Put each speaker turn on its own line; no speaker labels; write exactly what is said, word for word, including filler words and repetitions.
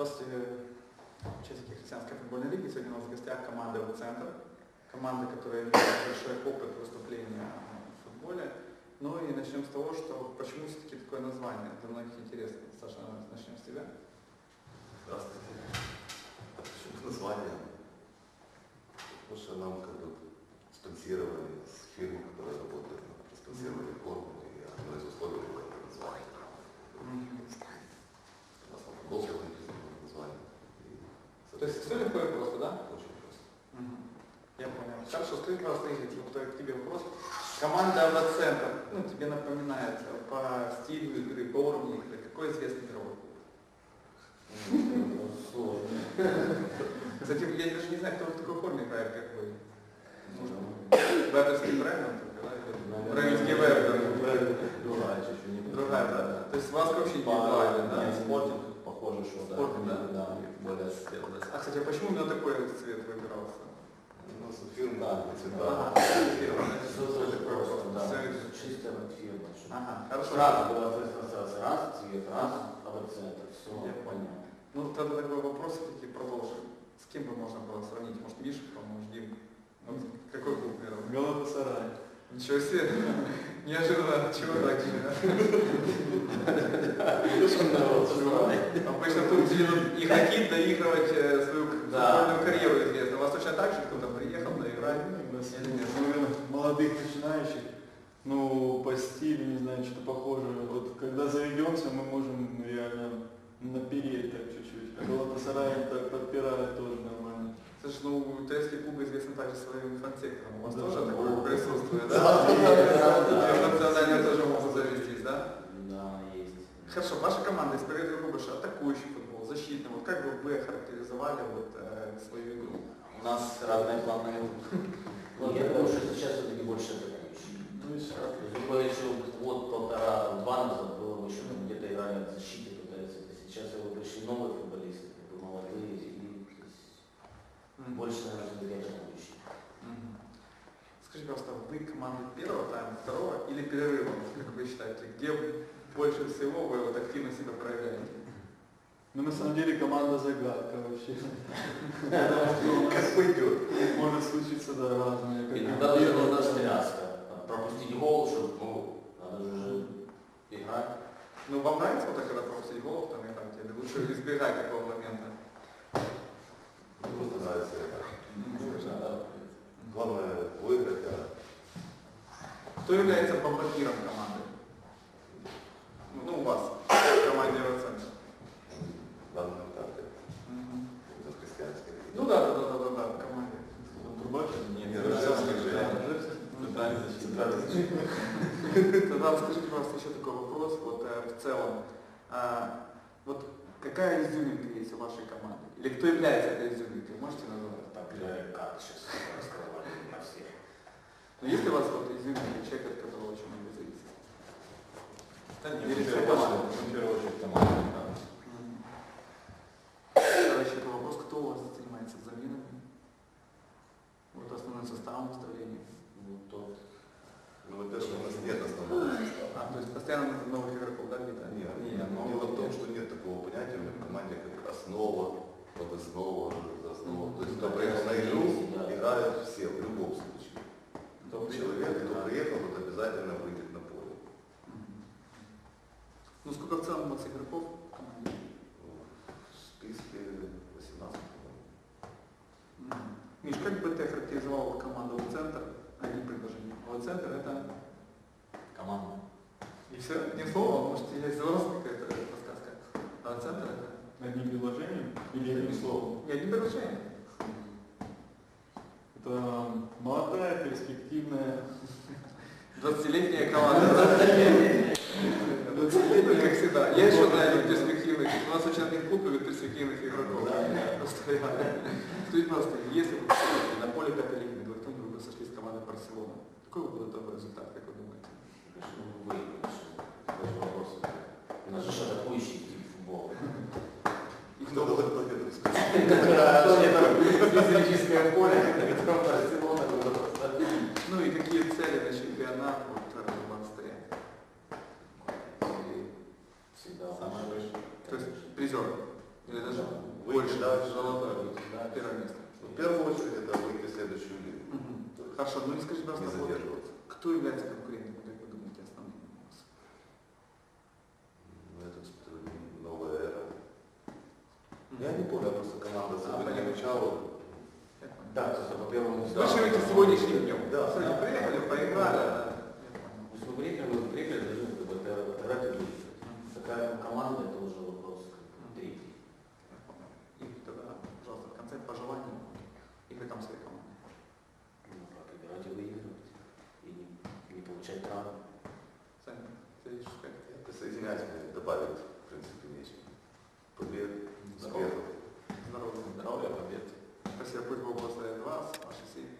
Здравствуйте, участники христианской футбольной лиги. Сегодня у нас в гостях команда «Центр». Команда, которая имеет большой опыт выступления в футболе. Ну и начнем с того, что почему все-таки такое название. Для многих интересно. Саша, начнем с тебя.
Здравствуйте. Почему название? Потому что нам как бы спонсировали с фирмы, которая работает, спонсировали форму, и одно из условий было это название. У нас там футбол написано название.
То есть все легко и просто, да?
Очень просто.
Угу. Я понял. Хорошо, скажи, пожалуйста, Игорь, вот к тебе вопрос. Команда «Центр», ну, тебе напоминает по стилю игры, по уровню игры, какой известный игровой клуб? Кстати, я даже не знаю, кто в такой форме играет, как вы. Веберский Брэннон, да? Брэннонский Вебер.
Другая чуть-чуть, не
Другая, да. То есть у вас вообще индивидуально, да?
Спортинг похоже, что да,
Спортинг, да?
да, более светлый.
А, кстати, а почему именно такой цвет выбирался?
У нас фирма,
Да,
цвета.
Ага, фирма.
Все тоже просто, да.
Всё.
Чистая фирма.
Ага, хорошо.
Сразу была ассоциация, раз, цвет, раз, а вот центр, все
Я
понятно.
Ну, тогда такой вопрос все-таки продолжим. С кем бы можно было сравнить? Может, Миша, может, Дим? Вот какой клуб первый?
Галатасарай.
Ничего себе. Неожиданно. Чего так? Обычно тут и хотит доигрывать свою футбольную карьеру известно. У вас точно так же кто-то приехал доиграть?
Наверное, молодых начинающих, ну, по стилю, не знаю, что-то похоже. Вот когда заведемся, мы можем реально напереть так чуть-чуть. А Галатасарай так подпирает тоже нормально.
Слушай, ну, турецкие клубы известны также своим фан-сектором. У вас
Да.
тоже такое присутствует,
Да,
да?
да, да.
Национальные тоже могут завестись, да?
Да, есть.
Хорошо, ваша команда исповедует больше атакующий футбол, защитный. Вот как бы вы охарактеризовали вот, э, свою игру?
У нас разные планы. Ну, я думаю, что сейчас все-таки больше атакующий.
Ну и все.
То есть было еще год, полтора, там, два назад было бы еще там где-то играли в защите пытаются. Сейчас его пришли новые футболисты, как бы молодые, и то есть, больше, наверное, все-таки атакующий.
Мгм. Скажите, пожалуйста, вы команда первого тайма, второго или перерыва, как вы считаете? Где больше всего вы вот активно себя проявляете?
Ну, на самом деле, команда загадка вообще.
Как пойдет.
Может случиться, да, разное. как
Иногда
и
даже
первый,
нужна
да.
связка. Пропустить гол, чтобы, ну, надо же играть.
Ну, вам нравится вот так, когда пропустить гол, там играть, или лучше избегать такого момента?
Просто нравится это.
Да.
Главное выиграть, а
Кто является бомбардиром команды? Ну, у вас, в команде «Центр».
в данном этапе это христианский.
Ну да, да, да, да, да, да, в команде.
Трубач?
Нет, Ржевский же.
Центральный
Центральный
защитник.
Тогда скажите, пожалуйста, еще такой вопрос, вот э, в целом, а, вот какая изюминка есть у вашей команды? Или кто является этой изюминкой? Можете назвать?
Так, э, как сейчас раскрывали на всех.
Но есть ли у вас вот изюминка, человек, от которого очень много зависит?
Да нет,
Или
в
вся
первую
команда?
очередь, в первую очередь команда.
Тогда еще такой вопрос, кто у вас занимается заменами? Вот основным составом выставления.
Ну, тот.
Ну, во-первых, у нас нет основного состава.
А, то есть постоянно новых игроков, да, где-то?
Нет,
Нет, но
дело в том, что нет такого понятия в команде, как основа, подоснова, основа. То есть, кто приехал на игру, играют все, в любом случае. Тот человек, кто приехал, тот обязательно выйдет на поле.
Мгм. Ну, сколько в целом у вас игроков в команде?
В списке восемнадцать, по-моему.
Мгм. Миш, как бы ты охарактеризовал команду «Центр»? Одни предложения. «Центр» — это...
Команда.
И все? Не слово? Может, есть взрослая какая-то подсказка? А «Центр» — это...
Одним предложением или одним словом?
Не, одни предложения.
Это молодая, перспективная.
двадцатилетняя команда. двадцатилетняя, как всегда. Я еще знаю перспективных. У нас очень один клуб любит перспективных игроков. Постоянно. Скажите, пожалуйста, если бы на поле пятой лиги Медведь вы бы сошли с командой Барселона, какой бы был итоговый результат, как вы думаете?
Конечно, мы выиграем. Такой вопрос. У нас же атакующий тип футбола.
И кто был этот победу?
Специфическое поле, на котором Барселона было просто.
Ну и какие цели на чемпионат вот, у вас стоят?
Всегда
Самое большое.
То есть призер? Или даже
дальше.
золотое,
Да.
первое место.
Ну, в первую очередь это выйти в следующую лигу.
Мгм.
То есть
Хорошо, ну и скажи,
не
пожалуйста, вот
задерживаться.
кто является конкурентом, как вы думаете, основным у вас?
Ну, это э, новая эра. Я не помню, я просто команда особо не изучала.
Я понял.
Да, то есть по первому
Вы живете сегодняшним днем.
Да.
Сегодня приехали, поиграли. да. Я понял.
То есть мы приехали, мы приехали, должны как бы это играть и выиграть. Какая там команда, это уже вопрос как бы, третий.
Я понял. И тогда, пожалуйста, в конце пожелания игрокам своей команды.
Ну, как играть и выигрывать. И не, не получать травм.
Сами, ты видишь, как
Я присоединяюсь, мне добавить, в принципе, нечего. Побед,
Здорово.
успехов.
здоровье.
Здоровья, побед.
Спасибо, пусть Бог благословит вас, ваши семьи.